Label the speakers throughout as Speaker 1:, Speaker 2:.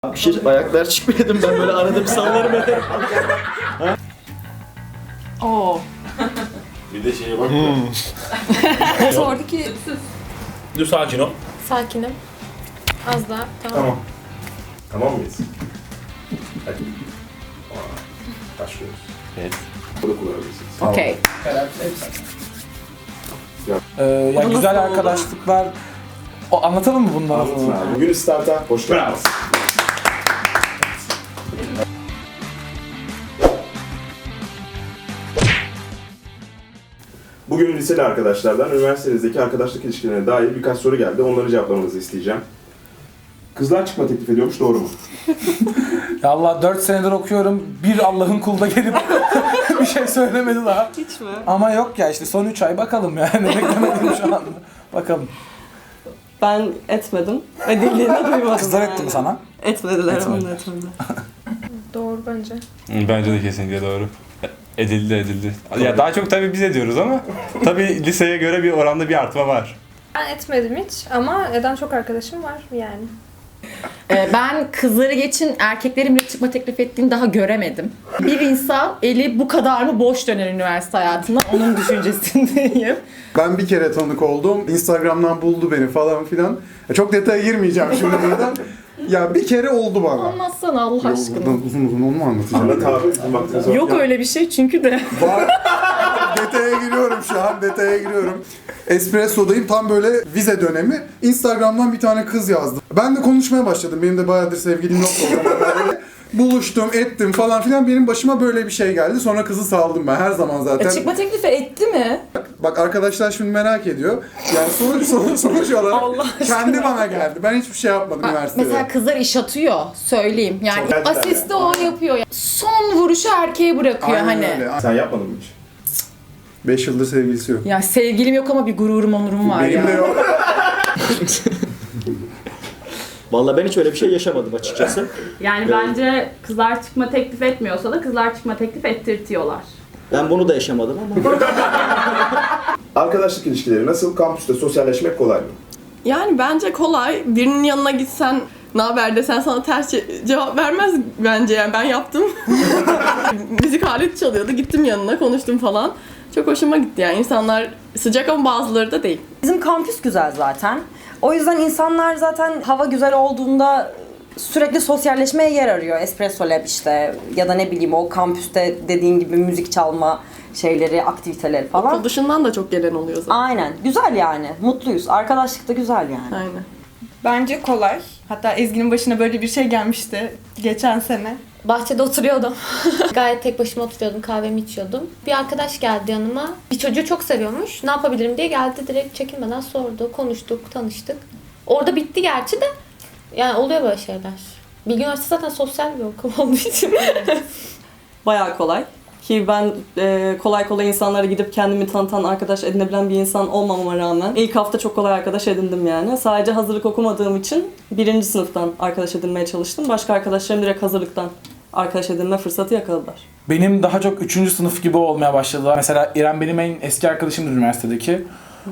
Speaker 1: Bir şey ayaklar çıkmıyordum ben böyle arada bir sallarım ederim.
Speaker 2: Oo.
Speaker 3: Bir de şeye bak.
Speaker 2: Sordu ki
Speaker 3: Dur sakin ol.
Speaker 4: Sakinim. Az daha. Tamam.
Speaker 3: Tamam. Tamam mıyız? Hadi. Başlıyoruz.
Speaker 5: Evet.
Speaker 3: Burada kullanabilirsiniz.
Speaker 2: okey.
Speaker 6: Ya güzel arkadaşlıklar. O anlatalım mı bunları?
Speaker 3: Anlatın abi. Bugün starta hoş geldiniz. Bugün liseli arkadaşlardan üniversitenizdeki arkadaşlık ilişkilerine dair birkaç soru geldi. Onları cevaplamanızı isteyeceğim. Kızlar çıkma teklif ediyormuş, doğru mu?
Speaker 6: Ya Allah 4 senedir okuyorum. Bir Allah'ın kulu da gelip bir şey söylemedi daha.
Speaker 2: Hiç mi?
Speaker 6: Ama yok ya işte son 3 ay bakalım yani. Beklemedim şu anda. Bakalım.
Speaker 2: Ben etmedim. Ve dilini duymadım.
Speaker 6: Kızlar
Speaker 2: yani.
Speaker 6: etti mi sana?
Speaker 2: Etmediler,
Speaker 6: Etmedi.
Speaker 2: onu etmedi.
Speaker 4: Doğru bence.
Speaker 5: Bence de kesinlikle doğru. Edildi. Ya daha çok tabii biz ediyoruz ama tabii liseye göre bir oranda bir artma var.
Speaker 4: Ben etmedim hiç ama eden çok arkadaşım var yani.
Speaker 7: Ben kızları geçin erkeklerin bile çıkma teklif ettiğini daha göremedim. Bir insan eli bu kadar mı boş döner üniversite hayatında? Onun düşüncesindeyim.
Speaker 8: Ben bir kere tanık oldum. Instagram'dan buldu beni falan filan. Çok detaya girmeyeceğim şimdi buradan. Ya bir kere oldu bana.
Speaker 7: Anlatsana Allah
Speaker 8: Yok,
Speaker 7: aşkına.
Speaker 8: buradan uzun uzun onu mu anlatacağım?
Speaker 3: Anlat abi, bizim vaktimiz var.
Speaker 7: Yok öyle bir şey çünkü de.
Speaker 8: Var. Detaya giriyorum şu an, detaya giriyorum. Espresso'dayım, tam böyle vize dönemi. Instagram'dan bir tane kız yazdı. Ben de konuşmaya başladım. Benim de bayağıdır sevgilim yoktu o zaman. Böyle buluştum, ettim falan filan. Benim başıma böyle bir şey geldi. Sonra kızı saldım ben her zaman zaten.
Speaker 7: Çıkma teklifi etti mi?
Speaker 8: Bak arkadaşlar şimdi merak ediyor. Yani sonuç olarak kendi bana geldi. Ben hiçbir şey yapmadım üniversitede.
Speaker 7: Mesela kızlar iş atıyor söyleyeyim. Yani
Speaker 3: Çok gerçekten
Speaker 7: asisti
Speaker 3: yani.
Speaker 7: o yapıyor. Son vuruşu erkeğe bırakıyor
Speaker 8: Aynen
Speaker 7: hani.
Speaker 8: öyle.
Speaker 3: Sen yapmadın mı hiç?
Speaker 8: 5 yıldır sevgilisi yok.
Speaker 7: Ya sevgilim yok ama bir gururum onurum var
Speaker 8: Benim
Speaker 7: ya.
Speaker 8: de yok.
Speaker 1: Vallahi ben hiç öyle bir şey yaşamadım açıkçası.
Speaker 9: Yani bence kızlar çıkma teklif etmiyorsa da kızlar çıkma teklif ettirtiyorlar.
Speaker 1: Ben bunu da yaşamadım ama.
Speaker 3: Arkadaşlık ilişkileri nasıl? Kampüste sosyalleşmek kolay mı?
Speaker 2: Yani bence kolay. Birinin yanına gitsen ne haber desen sana ters cevap vermez bence yani ben yaptım. Müzik aleti çalıyordu. Gittim yanına konuştum falan. Çok hoşuma gitti yani. İnsanlar sıcak ama bazıları da değil.
Speaker 10: Bizim kampüs güzel zaten. O yüzden insanlar zaten hava güzel olduğunda sürekli sosyalleşmeye yer arıyor. Espresso Lab işte ya da ne bileyim o kampüste dediğin gibi müzik çalma şeyleri, aktiviteleri falan.
Speaker 2: Okul dışından da çok gelen oluyor zaten.
Speaker 10: Aynen. Güzel yani. Mutluyuz. Arkadaşlık da güzel yani.
Speaker 2: Aynen.
Speaker 11: Bence kolay. Hatta Ezgi'nin başına böyle bir şey gelmişti geçen sene.
Speaker 4: Bahçede oturuyordum. Gayet tek başıma oturuyordum. Kahvemi içiyordum. Bir arkadaş geldi yanıma. Bir çocuğu çok seviyormuş. Ne yapabilirim diye geldi. Direkt çekinmeden sordu. Konuştuk, tanıştık. Orada bitti gerçi de. Yani oluyor böyle şeyler. Bilgi Üniversitesi zaten sosyal bir okul olduğu için.
Speaker 2: Bayağı kolay. Ki ben kolay kolay insanlara gidip kendimi tanıtan, arkadaş edinebilen bir insan olmamama rağmen ilk hafta çok kolay arkadaş edindim yani. Sadece hazırlık okumadığım için 1. sınıftan arkadaş edinmeye çalıştım. Başka arkadaşlarım direkt hazırlıktan arkadaş edinme fırsatı yakaladılar.
Speaker 6: Benim daha çok 3. sınıf gibi olmaya başladılar. Mesela İrem benim en eski arkadaşımdır üniversitedeki.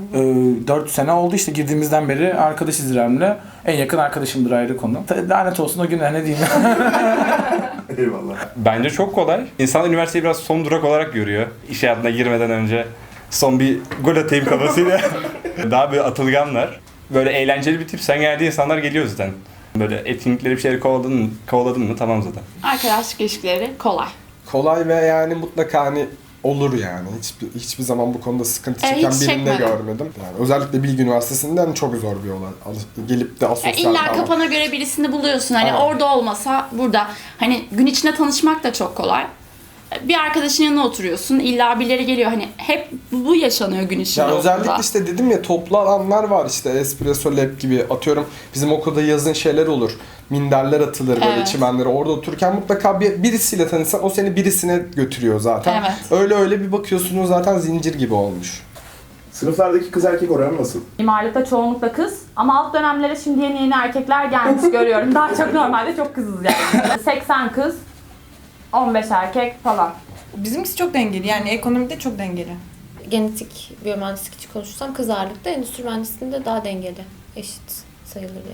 Speaker 6: 4 sene oldu işte girdiğimizden beri arkadaşız İrem'le. En yakın arkadaşımdır ayrı konu. Lanet olsun o günler ne diyeyim.
Speaker 3: Eyvallah.
Speaker 5: Bence çok kolay. İnsanlar üniversiteyi biraz son durak olarak görüyor. İş hayatına girmeden önce son bir gol atayım kafasıyla. Daha böyle atılganlar. Böyle eğlenceli bir tip. Sen geldiği insanlar geliyor zaten. Böyle etkinlikleri bir şeyleri kovaladın mı tamam zaten.
Speaker 9: Arkadaşlık ilişkileri kolay.
Speaker 12: Kolay ve yani mutlaka hani olur yani. Hiçbir zaman bu konuda sıkıntı çeken
Speaker 9: hiç
Speaker 12: birini de
Speaker 9: çekmedim.
Speaker 12: görmedim. Yani özellikle Bilgi Üniversitesi'nden çok zor bir olay. Gelip de asosyal
Speaker 9: İlla
Speaker 12: falan.
Speaker 9: kafana göre birisini buluyorsun. Hani
Speaker 12: Aynen.
Speaker 9: orada olmasa burada. Hani gün içinde tanışmak da çok kolay. Bir arkadaşın yanına oturuyorsun. İlla birileri geliyor. Hani hep bu yaşanıyor gün içinde.
Speaker 12: Ya özellikle
Speaker 9: okulda.
Speaker 12: işte dedim ya toplu alanlar var işte Espresso Lab gibi atıyorum bizim okulda yazın şeyler olur. Minderler atılır böyle
Speaker 9: Evet.
Speaker 12: çimenlere orada otururken mutlaka birisiyle tanışsan o seni birisine götürüyor zaten.
Speaker 9: Evet.
Speaker 12: Öyle bir bakıyorsunuz zaten zincir gibi olmuş.
Speaker 3: Sınıflardaki kız erkek oranı nasıl?
Speaker 9: Mimarlıkta çoğunlukla kız ama alt dönemlere şimdi yeni erkekler gelmiş görüyorum. Daha çok normalde çok kızız yani. 80 kız, 15 erkek falan.
Speaker 11: Bizimkisi çok dengeli yani ekonomide çok dengeli.
Speaker 4: Genetik biyomühendislik için konuşursam kız ağırlıkta, endüstri mühendisliğinde daha dengeli. Eşit sayılır yani.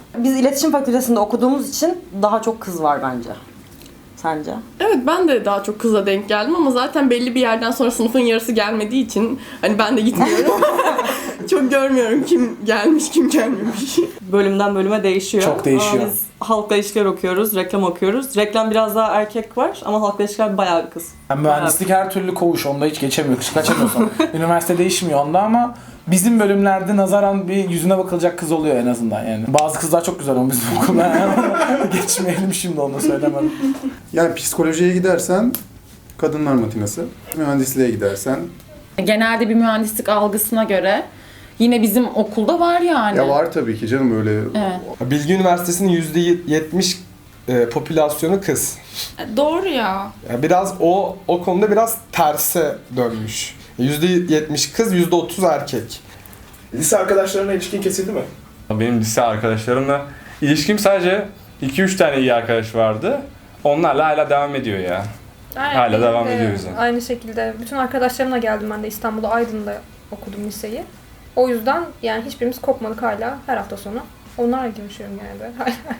Speaker 10: Biz iletişim fakültesinde okuduğumuz için daha çok kız var bence. Sence?
Speaker 2: Evet, ben de daha çok kıza denk geldim ama zaten belli bir yerden sonra sınıfın yarısı gelmediği için hani ben de gitmiyorum. Çok görmüyorum kim gelmiş kim gelmemiş. Bölümden bölüme değişiyor.
Speaker 6: Çok değişiyor.
Speaker 2: Ama biz halkla ilişkiler okuyoruz, reklam okuyoruz. Reklam biraz daha erkek var ama halkla ilişkiler bayağı bir kız.
Speaker 6: Yani mühendislik her türlü koğuş, onda hiç geçemiyor, kaçamıyorsun. Üniversite değişmiyor onda ama bizim bölümlerde nazaran bir yüzüne bakılacak kız oluyor en azından yani. Bazı kızlar çok güzel ama bizim okulda yani. Geçmeyelim şimdi, onu söylemem.
Speaker 8: Yani psikolojiye gidersen kadınlar matinası, mühendisliğe gidersen
Speaker 7: Genelde bir mühendislik algısına göre yine bizim okulda var yani.
Speaker 8: ya var tabii ki canım öyle.
Speaker 7: Evet.
Speaker 12: Bilgi Üniversitesi'nin %70 popülasyonu kız.
Speaker 11: Doğru ya.
Speaker 12: Yani biraz o konuda biraz terse dönmüş. %70 kız, %30 erkek.
Speaker 3: Lise arkadaşlarına ilişkin kesildi mi?
Speaker 5: Benim lise arkadaşlarımla ilişkim sadece 2-3 tane iyi arkadaş vardı. Onlarla hala devam ediyor ya.
Speaker 13: Aynen,
Speaker 5: Hala
Speaker 13: benim
Speaker 5: devam
Speaker 13: de
Speaker 5: ediyor yüzden.
Speaker 13: Aynı şekilde bütün arkadaşlarımla geldim ben de İstanbul'da Aydın'da okudum liseyi. O yüzden yani hiçbirimiz kopmadık hala her hafta sonu. Onlarla görüşüyorum genelde.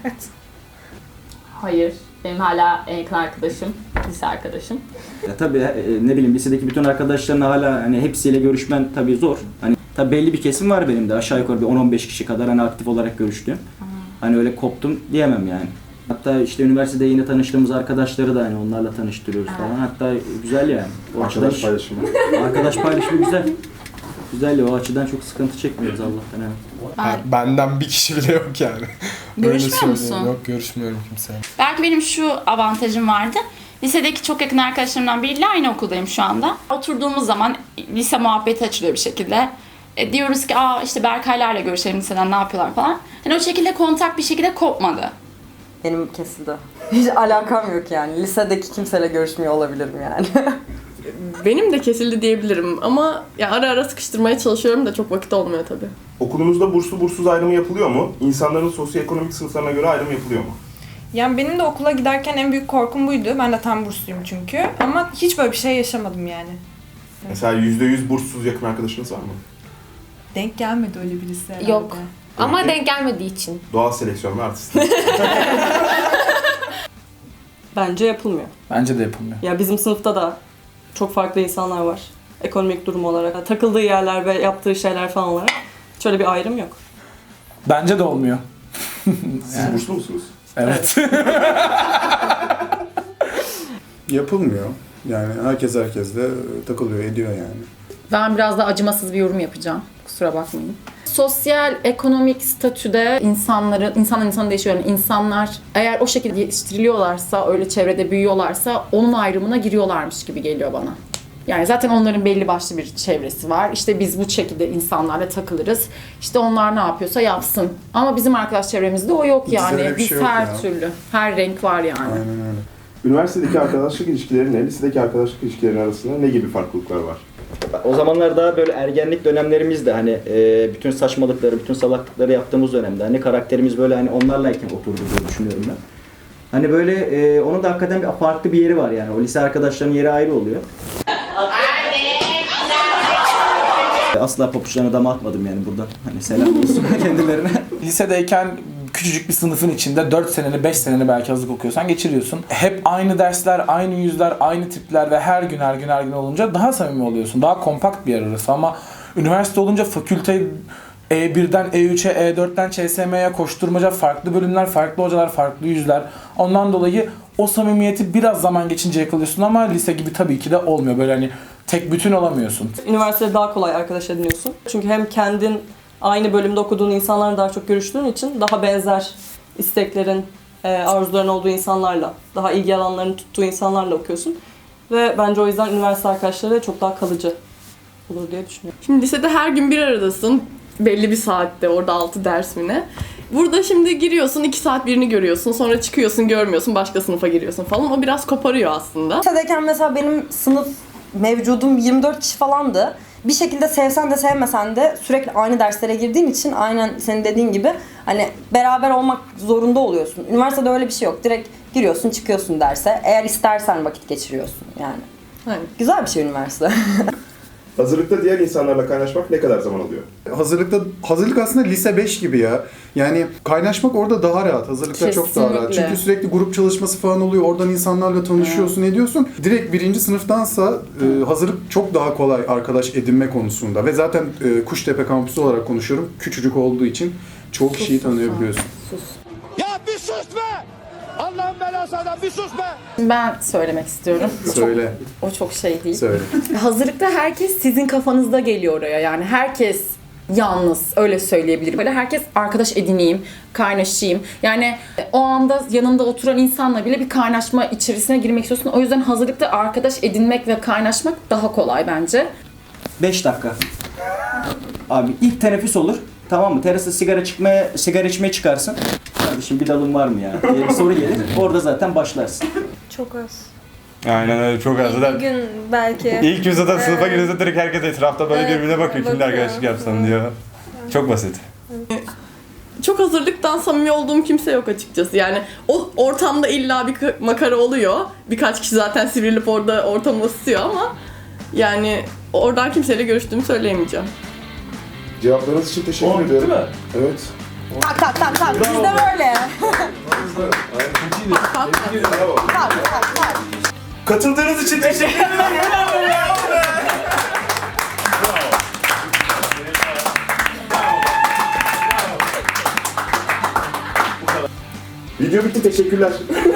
Speaker 7: Hayır. Benim hala en yakın arkadaşım, lise arkadaşım.
Speaker 1: Ya tabii ne bileyim lisedeki bütün arkadaşlarına hala hani hepsiyle görüşmen tabii zor. Hani tabii belli bir kesim var benim de aşağı yukarı bir 10-15 kişi kadar hani aktif olarak görüştüğüm. Hani öyle koptum diyemem yani. Hatta işte üniversitede yine tanıştığımız arkadaşları da hani onlarla tanıştırıyoruz falan. Hatta güzel yani. O
Speaker 3: Arkadaş paylaşımı.
Speaker 1: Arkadaş paylaşımı güzel. Güzel ya, o açıdan çok sıkıntı çekmiyoruz Allah'tan evet.
Speaker 12: Yani benden bir kişi bile yok yani.
Speaker 14: Görüşmüyor
Speaker 12: Öyle
Speaker 14: musun?
Speaker 12: söyleyeyim. Yok, görüşmüyorum kimseyle.
Speaker 14: Belki benim şu avantajım vardı. Lisedeki çok yakın arkadaşlarımdan biriyle aynı okuldayım şu anda. Oturduğumuz zaman lise muhabbeti açılıyor bir şekilde. Diyoruz ki işte Berkaylarla görüşelim liseden ne yapıyorlar falan. Yani o şekilde kontak bir şekilde kopmadı.
Speaker 10: Benim kesildi. Hiç alakam yok yani. Lisedeki kimseyle görüşmüyor olabilirim yani.
Speaker 2: Benim de kesildi diyebilirim ama ya ara ara sıkıştırmaya çalışıyorum da çok vakit olmuyor tabii.
Speaker 3: Okulunuzda burslu burssuz ayrımı yapılıyor mu? İnsanların sosyoekonomik sınıflarına göre ayrım yapılıyor mu?
Speaker 11: Yani benim de okula giderken en büyük korkum buydu. Ben de tam bursluyum çünkü. Ama hiç böyle bir şey yaşamadım yani.
Speaker 3: Mesela %100 burssuz yakın arkadaşınız var mı?
Speaker 11: Denk gelmedi öyle birisi herhalde.
Speaker 4: Yok. Ama denk gelmediği için.
Speaker 3: Doğal seleksiyon ve artistlik.
Speaker 2: Bence yapılmıyor.
Speaker 6: Bence de yapılmıyor.
Speaker 2: Ya bizim sınıfta da çok farklı insanlar var. Ekonomik durum olarak, takıldığı yerler ve yaptığı şeyler falan olarak. Hiç öyle bir ayrım yok.
Speaker 6: Bence de olmuyor.
Speaker 3: Siz burslu musunuz?
Speaker 6: Evet.
Speaker 8: Yapılmıyor. Yani herkes herkesle takılıyor, ediyor yani.
Speaker 7: Ben biraz da acımasız bir yorum yapacağım. Kusura bakmayın. Sosyal, ekonomik statüde insandan insana değişiyor. Yani insanlar eğer o şekilde yetiştiriliyorlarsa, öyle çevrede büyüyorlarsa onun ayrımına giriyorlarmış gibi geliyor bana. Yani zaten onların belli başlı bir çevresi var. İşte biz bu şekilde insanlarla takılırız. İşte onlar ne yapıyorsa yapsın. Ama bizim arkadaş çevremizde o yok
Speaker 8: Bizde öyle
Speaker 7: yani.
Speaker 8: bir
Speaker 7: Biz
Speaker 8: şey yok
Speaker 7: her
Speaker 8: ya.
Speaker 7: türlü, her renk var yani.
Speaker 8: Aynen öyle.
Speaker 3: Üniversitedeki arkadaşlık ilişkilerine, lisedeki arkadaşlık ilişkileri arasında ne gibi farklılıklar var?
Speaker 1: O zamanlar daha böyle ergenlik dönemlerimizde hani bütün saçmalıkları, bütün salaklıkları yaptığımız dönemde hani karakterimiz böyle hani onlarlayken oturdu diye düşünüyorum ben. Hani böyle onun da hakikaten farklı bir yeri var yani. O lise arkadaşlarının yeri ayrı oluyor. Asla papuçlarına dama atmadım yani buradan. Hani selam olsun kendilerine.
Speaker 6: Lisedeyken küçücük bir sınıfın içinde 4 seneni 5 seneni belki hazırlık okuyorsan geçiriyorsun. Hep aynı dersler, aynı yüzler, aynı tipler ve her gün olunca daha samimi oluyorsun. Daha kompakt bir yer arası ama üniversite olunca fakülte E1'den E3'e, E4'ten ÇSM'ye koşturmaca, farklı bölümler, farklı hocalar, farklı yüzler. Ondan dolayı o samimiyeti biraz zaman geçince yakalıyorsun ama lise gibi tabii ki de olmuyor. Böyle hani tek bütün olamıyorsun.
Speaker 2: Üniversitede daha kolay arkadaş ediniyorsun. Çünkü hem kendin aynı bölümde okuduğun insanlarla daha çok görüştüğün için daha benzer isteklerin, arzuların olduğu insanlarla, daha ilgi alanlarını tuttuğu insanlarla okuyorsun. Ve bence o yüzden üniversite arkadaşları çok daha kalıcı olur diye düşünüyorum. Şimdi lisede her gün bir aradasın. Belli bir saatte, orada 6 ders mi ne? Burada şimdi giriyorsun, 2 saat birini görüyorsun, sonra çıkıyorsun, görmüyorsun, başka sınıfa giriyorsun falan. O biraz koparıyor aslında.
Speaker 10: Lisedeyken mesela benim sınıf mevcudum 24 kişi falandı. Bir şekilde sevsen de sevmesen de sürekli aynı derslere girdiğin için aynen senin dediğin gibi hani beraber olmak zorunda oluyorsun. Üniversitede öyle bir şey yok. Direkt giriyorsun, çıkıyorsun derse. Eğer istersen vakit geçiriyorsun yani.
Speaker 2: Aynen.
Speaker 10: Güzel bir şey üniversite.
Speaker 3: Hazırlıkta diğer insanlarla kaynaşmak ne kadar zaman alıyor?
Speaker 8: Hazırlık aslında lise 5 gibi ya. Yani kaynaşmak orada daha rahat. Hazırlıkta çok daha rahat.
Speaker 7: Kesinlikle.
Speaker 8: Çünkü sürekli grup çalışması falan oluyor. Oradan insanlarla tanışıyorsun, ediyorsun. Direkt 1. sınıftansa hazırlık çok daha kolay arkadaş edinme konusunda. Ve zaten Kuştepe kampüsü olarak konuşuyorum. Küçücük olduğu için çoğu kişiyi tanıyabiliyorsun.
Speaker 15: Ya bir sus be! Allah'ın belası adam bir sus be!
Speaker 7: Ben söylemek istiyorum.
Speaker 8: Söyle.
Speaker 7: O çok şey değil.
Speaker 8: Söyle.
Speaker 7: Hazırlıkta herkes sizin kafanızda geliyor oraya. Yani herkes yalnız, öyle söyleyebilirim. Böyle herkes arkadaş edineyim, kaynaşayım. Yani o anda yanında oturan insanla bile bir kaynaşma içerisine girmek istiyorsun. O yüzden hazırlıkta arkadaş edinmek ve kaynaşmak daha kolay bence.
Speaker 1: 5 dakika. Abi ilk teneffüs olur. Tamam mı? Terasta sigara içmeye çıkarsın. Kardeşim bir dalın var mı ya diye bir soru gelir. Orada zaten başlarsın.
Speaker 13: Çok az.
Speaker 5: Aynen öyle, çok az.
Speaker 13: Bir
Speaker 5: Zaten
Speaker 13: gün belki.
Speaker 5: ilk gün zaten sınıfa girince direkt herkes etrafta böyle
Speaker 13: Evet,
Speaker 5: birbirine bakıyor. Kimle
Speaker 13: bakıyor.
Speaker 5: arkadaşlık yapsan diyor. Çok basit.
Speaker 2: Çok hazırlıktan samimi olduğum kimse yok açıkçası. Yani o ortamda illa bir makara oluyor. Birkaç kişi zaten sivrilip orada ortamı ısıtıyor ama yani oradan kimseyle görüştüğümü söyleyemeyeceğim.
Speaker 3: Cevaplarınız için teşekkür ediyorum.
Speaker 6: Değil mi?
Speaker 3: Evet.
Speaker 10: Tak tak tak tak. Biz de böyle.
Speaker 3: Bravo.
Speaker 10: Tak tak tak.
Speaker 3: Katıldığınız için teşekkür ederim. Video bitti, teşekkürler.